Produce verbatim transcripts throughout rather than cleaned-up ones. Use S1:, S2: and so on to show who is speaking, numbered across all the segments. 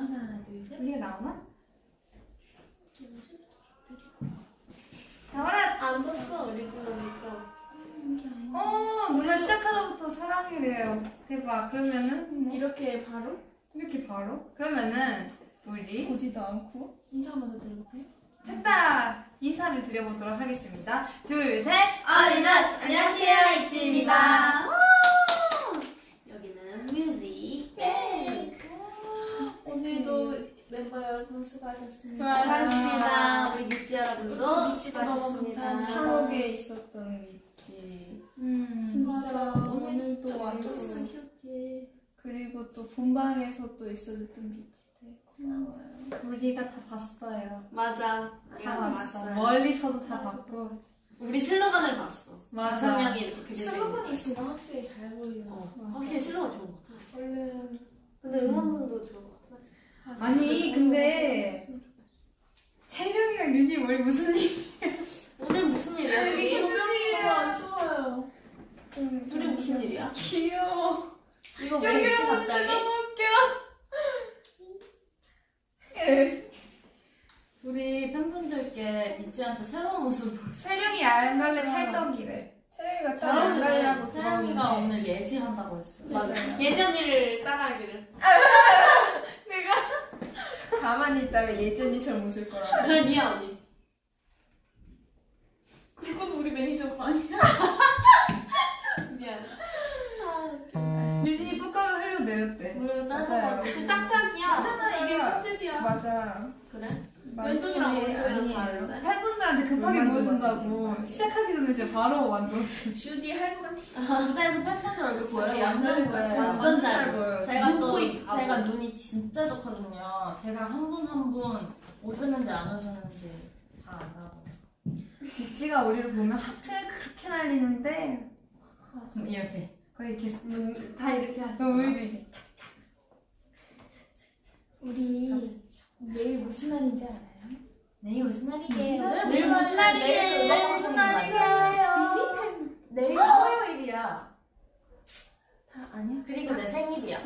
S1: 하나, 둘, 셋.
S2: 우리가 나오나? 나와라!
S3: 안 떴어 오리지널이니까.
S2: 어, 노래 시작하자부터 사랑이래요. 대박. 그러면은 뭐
S1: 이렇게 바로
S2: 이렇게 바로? 그러면은 우리
S1: 보지도 않고 인사 한번 더 드려볼까요?
S2: 됐다! 인사를 드려보도록 하겠습니다. 둘, 셋!
S3: 어린아스 안녕하세요 이지입니다. 여기는 뮤직 백.
S1: 오늘도 멤버 여러분 수고하셨습니다.
S3: 수고하셨습니다. 우리 미치 여러분도
S1: 미치 너무
S3: 수고하셨습니다.
S1: 감사합니다.
S4: 산옥에 있었던 미치
S2: 음,
S1: 맞아. 오늘도
S4: 그리고-
S1: 완전 쉬었지.
S4: 그리고 또 본방에서 또 있어줬던 미치 되게 고마워요.
S2: 우리가 다 봤어요.
S3: 맞아.
S2: 다
S3: 우리가
S2: 봤어.
S3: 봤어요.
S2: 멀리서도 다 봤고.
S3: 우리 슬로건을 봤어.
S2: 맞아.
S3: 다섯 명이 이렇게 그려져
S1: 슬로건이
S3: 있는
S1: 있으면 확실히 잘 보이요.
S3: 어, 확실히 슬로건 좋은 것 같아.
S1: 얼른.
S3: 근데 응원문도 좋은 것 같아. 맞지?
S2: 아니, 근데 채령이랑 류지 머리 무슨 일?
S3: 오늘 무슨 일이야?
S1: 여기
S3: 둘이?
S1: 조명이 안 좋아요.
S3: 둘이 무슨 일이야?
S2: 귀여워.
S3: 이거 왜 했지
S2: 여기로
S3: 갑자기?
S2: 너무 웃겨.
S5: 우리 팬분들께 미찌한테 새로운 모습을 보여줘.
S2: 채령이 안갈래 찰떡이래.
S4: 채령이가
S3: 잘
S4: 잘안
S3: 어울리네.
S4: 가려고
S5: 채령이가 오늘 예지한다고 했어.
S3: 맞아. 예지 언니를 따라하기를.
S4: 가만히 있다가 예전이처럼 웃을 거라.
S3: 절 미안 언니.
S1: 그건 우리 매니저가 아니야.
S3: 미안.
S2: 류진이 뚜껑을 흘려 내렸대.
S5: 우리가
S4: 맞아요.
S5: 짧아가지고.
S3: 그 짝짝이야.
S1: 괜찮아 이게 컨셉이야.
S4: 맞아.
S3: 그래?
S4: 맞아.
S3: 왼쪽이랑 오른쪽이랑
S4: 아니에요.
S3: 다른데?
S2: 팬분들한테 급하게
S4: 왜
S2: 보여준다고
S4: 만들었는데?
S2: 시작하기 전에 이제 바로 만들었지.
S1: 주디 할머니.
S5: 무대에서 팬분들 얼굴 보여요?
S1: 우리
S5: 완전
S1: 양다리
S5: 보여요.
S1: 같이
S3: 완전 잘
S2: 보여요.
S5: 제가 또
S3: 눈코입 바보.
S5: 제가 눈이 진짜 좋거든요. 제가 한 분 한 분 오셨는지 안 오셨는지 다 안다고.
S2: 미치가 우리를 보면 하트를 그렇게 날리는데
S5: 음, 이렇게.
S2: 거의 이렇게
S3: 음, 다 이렇게 하시죠.
S2: 그럼 우리도 이제
S1: 우리 내일 무슨 날인지 알아요?
S5: 내일 무슨 날이게요?
S1: 내일 무슨 날이게요?
S5: 내일 무슨 날이게요?
S1: 내일 화요일이야. 다 아니야?
S5: 그리고 내 생일이야.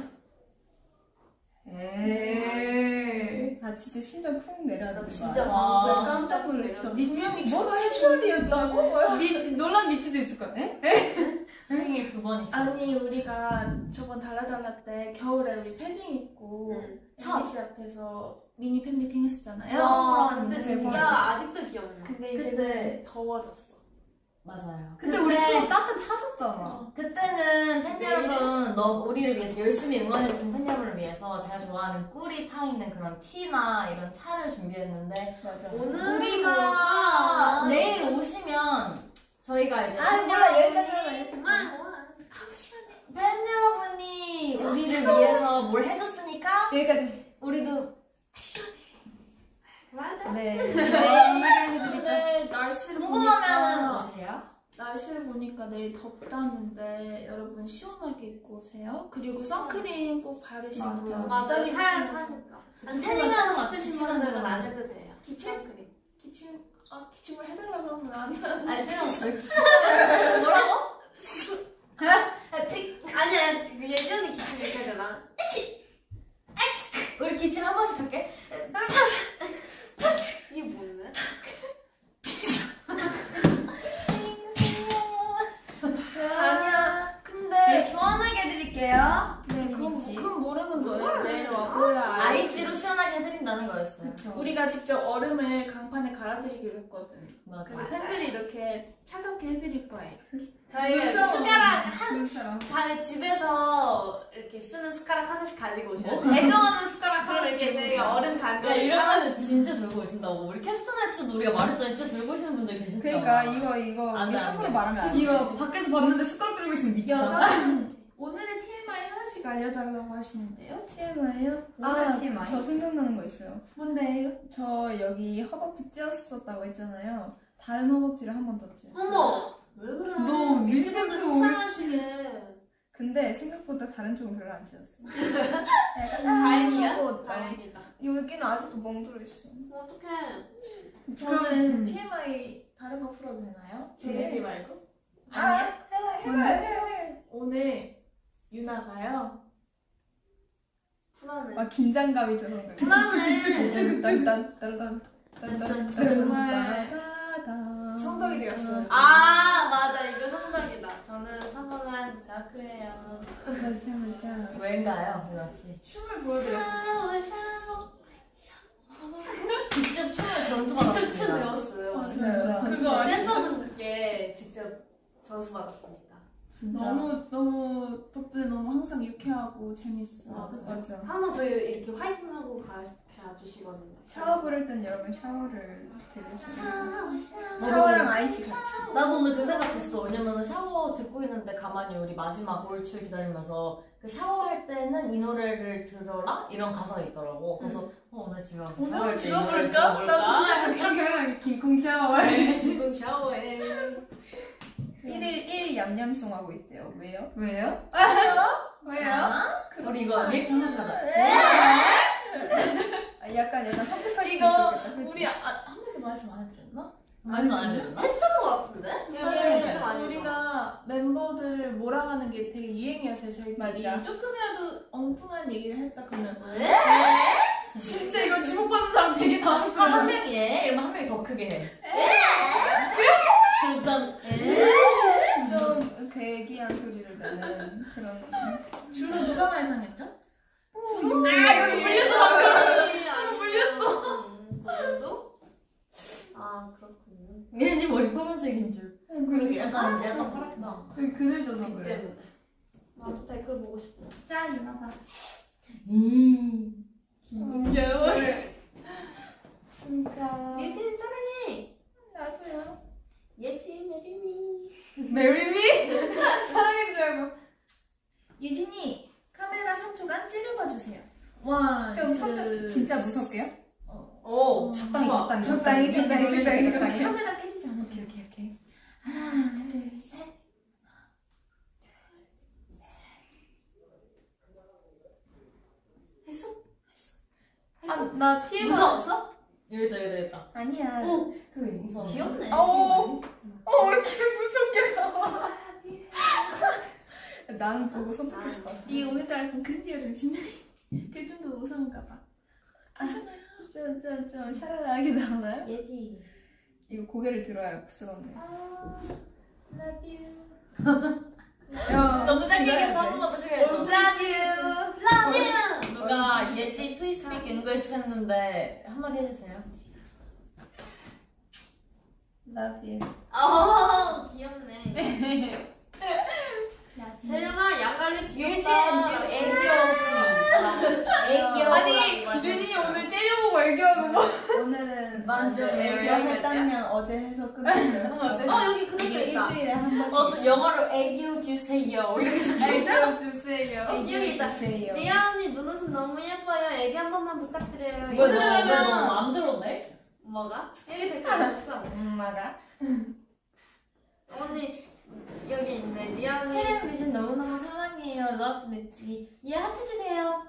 S2: 에이.
S4: 아 진짜 심장 쿵 내려앉지
S3: 나
S4: 마.
S3: 진짜
S5: 와.
S3: 방금
S1: 깜짝 놀랐어.
S2: 미치
S4: 뭐 칠월이었다고? 뭐야?
S2: 미, 놀란 미치도 있을 거야. 에?
S5: 생일 두 번 있어.
S1: 아니 우리가 저번 달라달라 때 겨울에 우리 패딩 입고
S3: 응.
S1: 엠비씨 앞에서 미니 팬미팅 했었잖아요.
S3: 와, 근데
S1: 근데
S3: 진짜
S1: 대박.
S3: 아직도 기억나.
S1: 근데
S5: 그때-
S1: 이제 더워졌어.
S5: 맞아요.
S2: 근데 우리 투어 따뜻 찾았잖아.
S5: 그때는 팬
S1: 내일은?
S5: 여러분, 너 우리를 위해서 열심히 응원해주신 팬 여러분을 위해서 제가 좋아하는 꿀이 타 있는 그런 티나 이런 차를 준비했는데
S4: 맞아.
S3: 오늘
S5: 우리가 내일 오시면 저희가 이제
S1: 아,
S5: 팬
S1: 뭐야,
S5: 여러분이-
S1: 여기까지 하면
S3: 정말 뭐.
S5: 팬 여러분이 우리를 위해서 뭘 해줬으니까
S4: 여기까지.
S5: 우리도
S3: 맞아.
S4: 네.
S1: 근데 날씨를
S5: 궁금하면
S1: 보니까
S5: 오세요.
S1: 날씨를 보니까 내일 덥다는데 여러분 시원하게 입고 오세요. 그리고 선크림 꼭 바르시고.
S4: 맞아.
S3: 맞아.
S1: 기침
S3: 사연 하니까.
S1: 기침은
S3: 태닝
S1: 처음
S3: 하고
S1: 왔-
S3: 싶으신
S1: 기침은
S3: 분들은
S1: 처음
S3: 안 해도 돼요.
S1: 기침?
S3: 그림.
S1: 기침 아 기침을 해달라고 하면 안 돼.
S5: 알지? 뭐라고?
S3: 아니야, 그 예전에 기침 이렇게 하잖아.
S5: 우리 기침 한 번씩 할게.
S3: 이게 뭔데?
S1: 아니야.
S2: 네,
S1: 근데
S2: 시원하게 해드릴게요.
S1: 네, 그건,
S2: 미치.
S1: 그건 모르는 거예요. 내일 와보야
S5: 아이스로 시원하게 해드린다는 거였어요.
S1: 우리가 직접 얼음을 강판에 갈아드리기로 했거든.
S5: 맞아.
S1: 그래서 팬들이 이렇게 차갑게 해드릴 거예요.
S3: 저희가
S1: 무서워.
S3: 숟가락 한,
S2: 사람.
S3: 자, 집에서 이렇게 쓰는 숟가락 하나씩 가지고 오셔야 돼요.
S2: 애정하는 숟가락
S3: 그럼
S2: 하나씩
S3: 이렇게 저희가 얼음
S5: 야,
S3: 간거
S5: 이러면은 진짜 들고 오신다고. 우리 캐스터네츠도 우리가 말했더니 진짜 들고 오시는 분들 계시잖아.
S4: 그러니까 이거 이거
S5: 안
S4: 우리
S5: 돼, 안
S4: 함부로
S5: 돼.
S4: 말하면 안 돼.
S2: 이거 밖에서 봤는데 숟가락 들고 있으면 미쳐.
S1: 여러분 오늘의 티엠아이 하나씩 알려달라고 하시는데요.
S4: 티엠아이요?
S2: 아,
S4: 아,
S2: 티엠아이?
S4: 저 생각나는 거 있어요.
S1: 뭔데요?
S4: 저 여기 허벅지 찧었었다고 했잖아요. 다른 허벅지를 한 번 더 찧었어요.
S3: 어머! 왜 그래?
S2: 너 뮤직뱅크
S3: 뮤직뱅크 속상하시게.
S4: 근데 생각보다 다른 쪽은 별로 안 찧었어요.
S3: 다행이야?
S4: 하고,
S3: 다행이다.
S4: 여기는 아직도 멍들어 있어.
S3: 어떡해.
S1: 저는
S2: 음.
S1: 티엠아이 다른 거 풀어도 되나요? 제
S4: 네.
S1: 얘기 말고?
S4: 아니야? 해봐, 해봐,
S2: 뭔데?
S4: 해봐, 해봐.
S1: 오늘 유나가요
S3: 불안해.
S4: 막 긴장감이 저는.
S3: 불안해.
S4: 딴딴딴딴딴딴.
S1: 정말 성덕이 되었어요.
S3: 아 맞아 이거 성덕이다. 저는 성공한 다크예요.
S4: 맞아 맞아.
S5: 왜인가요, 유나 씨?
S1: 춤을 보여드렸어요.
S3: 샤워 샤워.
S5: 직접 춤을 전수 받았습니다.
S3: 직접 춤 배웠어요.
S4: 맞아요.
S1: 그거
S3: 댄서분께 직접 전수 받았습니다.
S4: 진짜.
S1: 너무 너무 덕분에 너무 항상 유쾌하고 재밌어.
S3: 맞아.
S4: 맞아.
S3: 항상 저희 이렇게 화이팅하고 가주시거든요.
S4: 샤워 부를 땐 여러분 샤워를 들으시면
S3: 샤워 샤워.
S4: 샤워랑 아이씨 같이.
S5: 나도 오늘 그 생각했어. 왜냐면은 샤워 듣고 있는데 가만히 우리 마지막 올출 기다리면서 그 샤워할 때는 이 노래를 들어라? 이런 가사가 있더라고. 그래서 어, 오늘 집에 와서
S1: 오늘
S5: 샤워할 때 이 노래
S1: 들어볼까?
S5: 들어볼까?
S1: 이렇게 하면 킹콩 샤워해.
S3: 이분 샤워해.
S4: 일일 일 얌얌송 하고 있대요. 왜요?
S2: 왜요?
S4: 왜요?
S5: 아? 우리 이거 리액션 하나씩 하자.
S4: 아, 약간 약간 선택할 수
S1: 이거
S4: 있었겠다. 그치?
S1: 우리 아, 한 번도 말씀 안 해드렸나?
S5: 말씀 안 해줬나?
S3: 했던 것 같은데?
S1: 이거를
S3: 진짜 많이 했잖아.
S1: 우리가 멤버들 몰아가는 게 되게 유행이었어요. 저희끼리
S4: 맞아.
S1: 조금이라도 엉뚱한 얘기를 했다 그러면
S3: 왜?
S1: 진짜 이거 주목받는 사람 되게
S5: 한
S1: 당황스러워.
S5: 명이 해? 이러면 한 명이 더 크게 해. 그럼
S4: 좀 괴기한 소리를 내는 그런.
S1: 주로 누가 많이 당했죠?
S3: 아
S1: 이거 물렸어,
S3: 방금.
S1: 물렸어.
S3: 음, 그 정도? 아 그렇군요.
S5: 예지 머리 파란색인 줄.
S1: 그러게.
S5: 약간 이제 약간 파랗게 나.
S4: 그 그늘 져서
S3: 빛
S4: 그래.
S3: 때문에. 나도 댓글 보고 싶어.
S2: 짠 이나봐.
S5: 음.
S1: 귀여워.
S4: 진짜.
S3: 예진 사랑해.
S4: 나도요.
S3: 예진 메리미.
S4: 메리미? 사랑인 줄 알고.
S1: 유진이 카메라 삼 초간 찌르봐주세요. 원,
S4: 좀
S1: 투,
S4: 선택 진짜 무섭게요?
S5: 오,
S2: 적당히
S5: 좋아.
S2: 적당히
S4: 적당히, 적당히, 적당히, 적당히.
S1: 카메라 깨지지 않아.
S2: 오케이 오케이 오케이.
S1: 하나, 둘, 셋.
S3: 했어?
S1: 아, 나 티에서
S3: 무서웠어?
S5: 여기다 여기다 여기다.
S4: 아니야.
S3: 어.
S5: 그왜 무서워?
S3: 귀엽네.
S4: 어. 어, 왜 이렇게 무섭게 나와? 난 보고 선택했을 것 같아.
S1: 이 오늘따라 약간 근디어 정신이 그게 좀 더 무서운가 봐.
S4: 좀, 좀, 좀 샤랄라하게 나오나요?
S3: 예지.
S4: 이거 고개를 들어야 쓰겠네.
S3: Love you.
S4: 야,
S5: 너무 짧게
S4: 들어야
S5: 해서
S4: 돼.
S5: 한 번만 더 해야죠.
S3: Love you. Love you.
S5: 누가 예지 please speak English 했는데 한마디 해주세요.
S4: Love you.
S3: 어 귀엽네. 재령아 양갈래
S5: 유진
S3: 귀엽다.
S5: you 애교 애교.
S1: 아니, 유진이 오늘 째려보고 애교하고 뭐.
S4: 오늘은
S5: 맞아,
S4: 애교
S3: 애교
S4: 했다면 어제 해서 끝났어요.
S3: 어 여기 그것도
S4: 이게
S3: 있다.
S4: 일주일에 한 번씩.
S5: 어, 영어로 애교 주세요. 이렇게
S4: 애교 주세요.
S3: 여기 있다.
S4: 주세요.
S3: 리아 언니 눈웃음 너무 예뻐요. 애기 한 번만 부탁드려요.
S5: 이거
S3: 이거
S5: 너무
S3: 들으면
S5: 너무 안 들었네?
S3: 뭐가? 여기 댓글 있어.
S4: 엄마가?
S3: 언니 여기 있네. 리아 언니.
S5: 채령 유진 너무너무 사랑해요. Love 냈지. 얘 하트 주세요.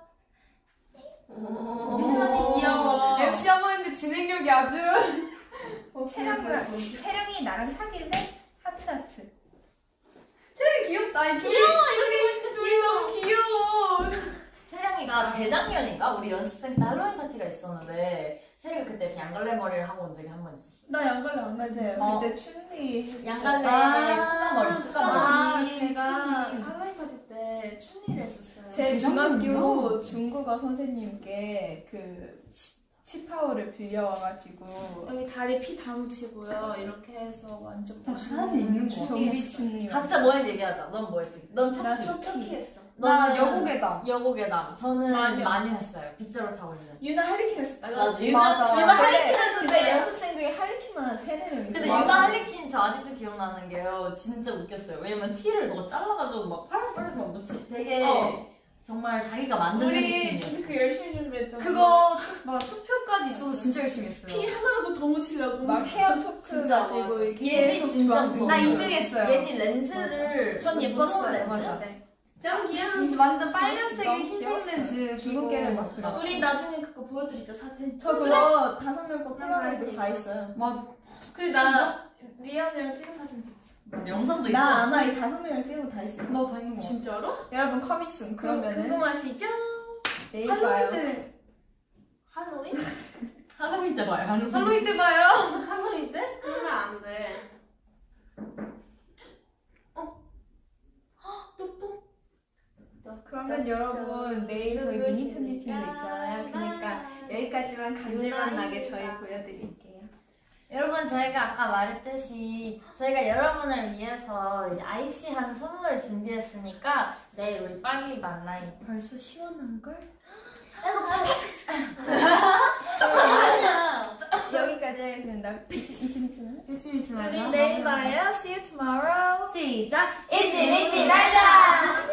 S5: 유진 언니 귀여워.
S1: 엠씨 한 번 했는데 진행력이 아주.
S4: 채령이가 채령이 나랑 사귈래? 하트 하트.
S1: 쟤는 귀엽다. 이 둘이,
S3: 귀여워 이렇게
S1: 둘이 너무 귀여워.
S5: 채령이가 재작년인가 우리 연습생 때 할로윈 파티가 있었는데 채령이 그때 이렇게 양갈래 머리를 하고 온 적이 한 번 있었어.
S1: 나 양갈래 안
S4: 맞아요.
S5: 어.
S4: 그때 춘리 했어.
S5: 양갈래
S1: 아,
S5: 뚜까머리 뚜까머리.
S1: 아,
S4: 춘리,
S1: 제가
S4: 춘리.
S1: 할로윈 파티 때 춘리를 했었어요.
S4: 제
S5: 재작년이요?
S4: 중학교 중국어 선생님께 그 치- 치파오를 빌려와가지고
S1: 여기 다리 피 다 묻히고요. 이렇게 해서 완전
S2: 다
S1: 멋있는
S2: 사진 있는 거.
S4: 정비 춘리.
S5: 각자 뭐 했는지 얘기하자. 넌 뭐 했지? 넌
S1: 나
S5: 척키.
S1: 첫 척키 했어.
S2: 나
S5: 너는
S2: 여고괴담.
S5: 여고괴담. 저는
S1: 마녀.
S5: 마녀 했어요. 빗자루 타고 있는.
S1: 유나 할리퀸 했었다가
S5: 맞아. 유나-
S2: 맞아.
S5: 유나
S4: 근데
S5: 할리퀸 했었어요.
S4: 진짜 연습생 중에 할리퀸만 한 세네 명 있어.
S5: 근데 유나 할리퀸 저 아직도 기억나는 게요. 진짜 웃겼어요. 왜냐면 티를 너가 잘라가지고 막 파란색 빨간색 막 묻히. 되게
S1: 어.
S5: 정말 자기가 만든
S1: 우리
S5: 할리퀸이에요.
S1: 진짜 그 열심히 준비했잖아.
S2: 그거 막 투표까지 있어서 진짜 열심히 했어요.
S1: 피 하나라도 더 묻히려고.
S4: 막 헤어 초크
S3: 진짜
S4: 가지고
S3: 맞아.
S4: 이렇게
S5: 예지
S4: 계속
S5: 진짜
S4: 주황색.
S5: 무서워.
S2: 나 이 등 했어요.
S5: 예지 렌즈를
S1: 전
S5: 무서운
S1: 예뻤어요.
S5: 렌즈?
S2: 맞아.
S1: 네.
S3: 짱 귀여워.
S2: 이 완전 빨간색에
S4: 너무
S2: 흰색
S4: 귀여웠어요.
S2: 렌즈
S4: 주근깨를 막 그려.
S1: 우리 나중에 그거 보여드리죠 사진.
S4: 저 그거 다섯 명 거
S3: 난
S4: 풀어가지고 다
S3: 자신
S4: 있어요.
S2: 막
S1: 그리고 나 리안이랑 찍은 사진 있어.
S5: 영상도 있어.
S4: 나 아마 이 다섯 명을 찍은 거 다 있어요.
S2: 너 다 있는 거 같아.
S1: 진짜로?
S4: 여러분 커밍순
S1: 그러면
S4: 그러면은
S1: 궁금하시죠?
S4: 내일
S2: 할로윈
S4: 봐요.
S2: 때
S3: 할로윈?
S5: 할로윈 때 봐요. 할로윈.
S2: 할로윈 때 봐요.
S3: 할로윈 때? 그러면 안 돼. 어? 헉, 또 또?
S4: 그러면 여러분 내일 저희 미니 팬미팅도 있잖아요. 그러니까 여기까지만 감질만 나게 저희 보여드릴게요.
S5: 여러분 저희가 아까 말했듯이 저희가 여러분을 위해서 이제 아이시한 선물을 준비했으니까 내일 우리 빨리 만나요.
S4: 벌써 시원한 걸? 여기까지 하겠습니다. 이쯤 있잖아요.
S2: 일찍 일찍 나자.
S1: 우리 내일 봐요. See you tomorrow.
S2: 시작.
S3: 일찍 일찍 날자.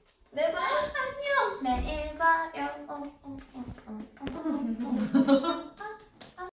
S1: 내일 봐요.
S3: 내일 봐요. 어, 어, 어, 어, 어.